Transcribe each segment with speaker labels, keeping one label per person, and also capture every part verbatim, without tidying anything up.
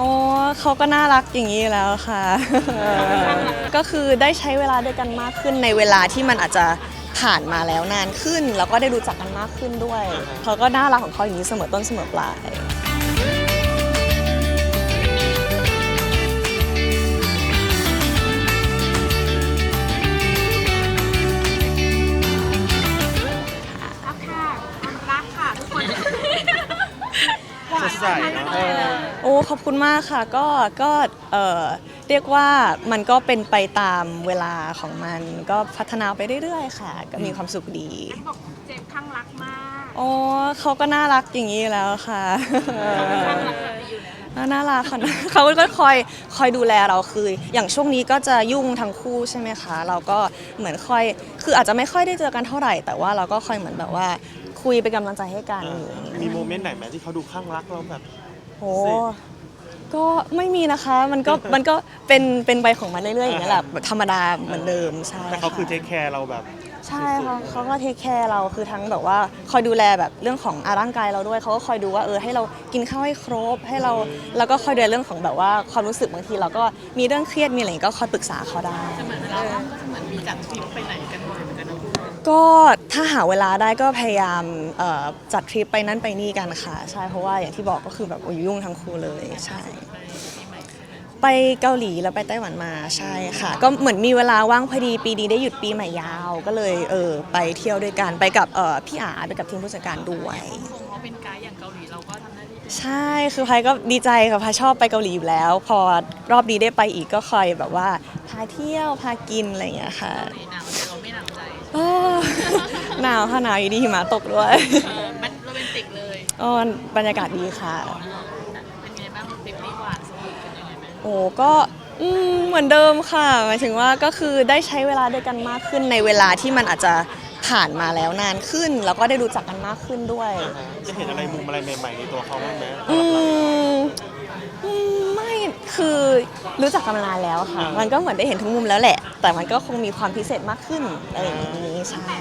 Speaker 1: อ๋อเขาก็น่ารักอย่างนี้แล้วค่ะก็คือได้ใช้เวลาด้วยกันมากขึ้นในเวลาที่มันอาจจะผ่านมาแล้วนานขึ้นแล้วก็ได้รู้จักกันมากขึ้นด้วยเขาก็น่ารักของเขาอย่างนี้เสมอต้นเสมอปลาย
Speaker 2: สดใสเนาะ
Speaker 1: โอ้ขอบคุณมากค่ะก็ก็เออเรียกว่ามันก็เป็นไปตามเวลาของมันก็พัฒนาไปเรื่อยๆค่ะก็มีความสุขดี
Speaker 3: บอกเจมส์ข้างรักมาก
Speaker 1: อ๋อเขาก็น่ารักอย่างนี้แล้วค่ะ
Speaker 3: ข้างรักแบบนี้อยู่แล้ว
Speaker 1: น่ารักค่ะเขาก็คอยคอยดูแลเราคืออย่างช่วงนี้ก็จะยุ่งทั้งคู่ใช่ไหมคะเราก็เหมือนคอยคืออาจจะไม่ค่อยได้เจอกันเท่าไหร่แต่ว่าเราก็คอยเหมือนแบบว่าคุยเป็นกำลังใจให้กัน
Speaker 2: มีโมเมนต์ไหนไหมที่เขาดูข้างรักเราแบบ
Speaker 1: โอ้ก็ไม่มีนะคะมันก็มันก็เป็นเป็นไปของมันเรื่อยๆอย่างนี้แหละธรรมดาเหมือนเดิมใช่
Speaker 2: แต่เขาคือเทคแคร์เราแบบ
Speaker 1: ใช่ค่ะเขาก็เทคแคร์เราคือทั้งแบบว่าคอยดูแลแบบเรื่องของร่างกายเราด้วยเขาก็คอยดูว่าเออให้เรากินข้าวให้ครบให้เราแล้วก็คอยดูแลเรื่องของแบบว่าความรู้สึกบางทีเราก็มีเรื่องเครียดมีอะไรก็คอยปรึกษาเขาได้
Speaker 3: เหมือนเราก็เหมือนมีจัดทริปไปไหนกันบ่อยเหมือนกันนะ
Speaker 1: ก็ถ้าหาเวลาได้ก็พยายามจัดทริปไปนั่นไปนี่กันค่ะใช่เพราะว่าอย่างที่บอกก็คือแบบยุ่งทั้งคู่เลยใช่ไปเกาหลีแล้วไปไต้หวันมาใช่ค่ะก็เหมือนมีเวลาว่างพอดีปีนี้ได้หยุดปีใหม่ยาวก็เลยเออไปเที่ยวด้วยกันไปกับเออพี่อาไปกับทีมผู้จัดการด้วย
Speaker 3: เขาเป็นไกด์อย่างเกาหลีเราก็ทำหน้าที่
Speaker 1: ใช่คือพายก็ดีใจค่ะพายชอบไปเกาหลีอยู่แล้วพอรอบนี้ได้ไปอีกก็คอยแบบว่าพาเที่ยวพากินอะไรอย่างเงี้ยค่ะ
Speaker 3: หนาวแต่เราไม่หนาวใจ
Speaker 1: หนาวค่ะหนาวอยู่ดีหิมะตกด้วย
Speaker 3: มันโรแมนติกเลย
Speaker 1: อ๋อบรรยากาศดีค่ะ
Speaker 3: เป็นไงบ้างทริปนี้หวานสวีทกันยังไงไหม
Speaker 1: โอ้ก็เหมือนเดิมค่ะหมายถึงว่าก็คือได้ใช้เวลาด้วยกันมากขึ้นในเวลาที่มันอาจจะผ่านมาแล้วนานขึ้นแล้วก็ได้รู้จักกันมากขึ้นด้วย
Speaker 2: จะเห็นอะไรมุมอะไรใหม่ๆในตัวเขาบ้างไหม
Speaker 1: อืมไม่คือรู้จักกันมานานแล้วค่ะมันก็เหมือนได้เห็นทุกมุมแล้วแหละแต่มันก็คงมีความพิเศษมากขึ้นอะไรอย่างนี้ใช่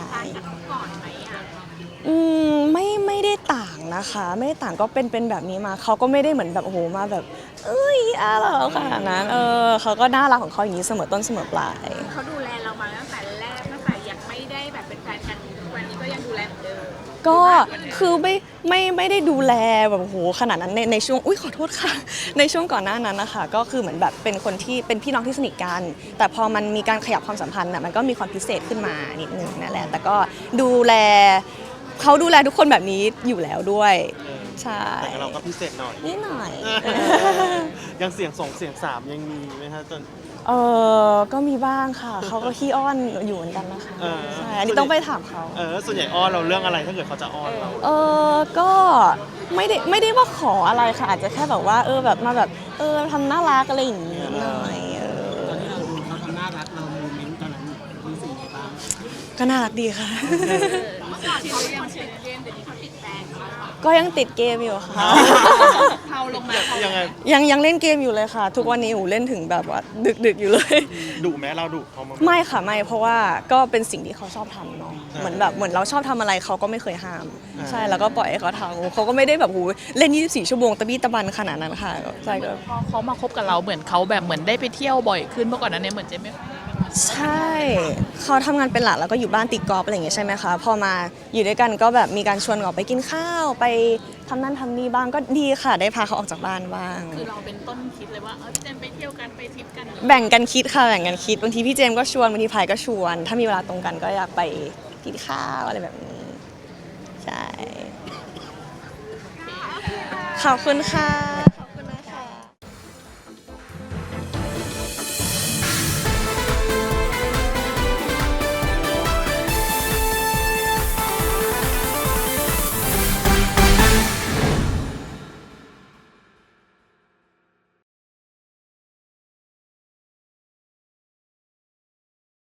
Speaker 1: อืมไม่ไม่ได้ต่างนะคะไม่ได้ต่างก็เป็นเป็นแบบนี้มาเขาก็ไม่ได้เหมือนแบบโอ้โหมาแบบเอ้ยอะไรขนาดนั้นเออเขาก็น่ารักของเขาอย่างนี้เสมอต้นเสมอปลาย
Speaker 3: เขาดูแลเรามาตั้งแต่แรกตั้งแต่ยังไม่ได้แบบเป็นแฟนกันวันนี้ก็ยังดูแลเหมือนเดิม
Speaker 1: ก็คือไม่ไม่ไม่ได้ดูแลแบบโหขนาดนั้นในในช่วงอุ้ยขอโทษค่ะในช่วงก่อนหน้านั้นนะคะก็คือเหมือนแบบเป็นคนที่เป็นพี่น้องที่สนิทกันแต่พอมันมีการขยับความสัมพันธ์น่ะมันก็มีความพิเศษขึ้นมานิดนึงนั่นแหละแต่ก็ดูแลเขาดูแลทุกคนแบบนี้อยู่แล้วด้วยใช่
Speaker 2: แต่เราก็พิเศษหน่อย
Speaker 1: นิดหน่อย
Speaker 2: ยังเสียงสองเสียงสามยังมีไหมคะจน
Speaker 1: เออก็มีบ้างค่ะเขาก็ขี้อ้อนอยู่เหมือนกันนะคะใช่อันนี้ต้องไปถามเขา
Speaker 2: เออส่วนใหญ่อ้อนเราเรื่องอะไรถ้าเกิดเขาจะอ้อนเรา
Speaker 1: เออก็ไม่ได้ไม่ได้ว่าขออะไรค่ะอาจจะแค่แบบว่าเออแบบมาแบบเออทำน่ารักอะไรอย่างงี้หน่อยเออ
Speaker 4: ตอนที่เราดูเขาทำน่ารักเราโมเมนต์ตอนนั้นรู้สึกยังไงบ้าง
Speaker 1: ก็น่ารักดีค่ะ
Speaker 3: เมื่อก่อนเขายังเฉยเรียนแต่นี้เขาติดแฟน
Speaker 1: ก็ยังติดเกมอยู่ค่ะ
Speaker 3: เขาลงมา
Speaker 2: ยังไง
Speaker 1: ยังยังเล่นเกมอยู่เลยค่ะทุกวันนี้อูเล่นถึงแบบว่าดึกดึกอยู่เลย
Speaker 2: ดุแม้เราดุเขา
Speaker 1: ไม่ค่ะไม่เพราะว่าก็เป็นสิ่งที่เขาชอบทำเนาะเหมือนแบบเหมือนเราชอบทำอะไรเขาก็ไม่เคยห้ามใช่แล้วก็ปล่อยให้เขาทำเขาก็ไม่ได้แบบหูเล่นยี่สิบสี่ชั่วโมงตะบี้ตะบันขนาดนั้นค่ะใช่ก็
Speaker 3: พอเขามาคบกับเราเหมือนเขาแบบเหมือนได้ไปเที่ยวบ่อยขึ้นเมื่อก่อนนั้นเนี่ยเหมือนจะไม่
Speaker 1: ใช่เขาทำงานเป็นหลักแล้วก็อยู่บ้านติดกอล์ฟอะไรอย่างเงี้ยใช่ไหมคะพอมาอยู่ด้วยกันก็แบบมีการชวนออกไปกินข้าวไปทำนั่นทำนี่บ้างก็ดีค่ะได้พาเขาออกจากบ้านบ้าง
Speaker 3: คือเราเป็นต้นคิดเลยว่าเออพี่เจมไปเที่ยวกันไปทริปกัน
Speaker 1: แบ่งกันคิดค่ะแบ่งกันคิดบางทีพี่เจมก็ชวนบางทีพายก็ชวนถ้ามีเวลาตรงกันก็อยากไปกินข้าวอะไรแบบนี้ใช่ขอบคุณค่ะ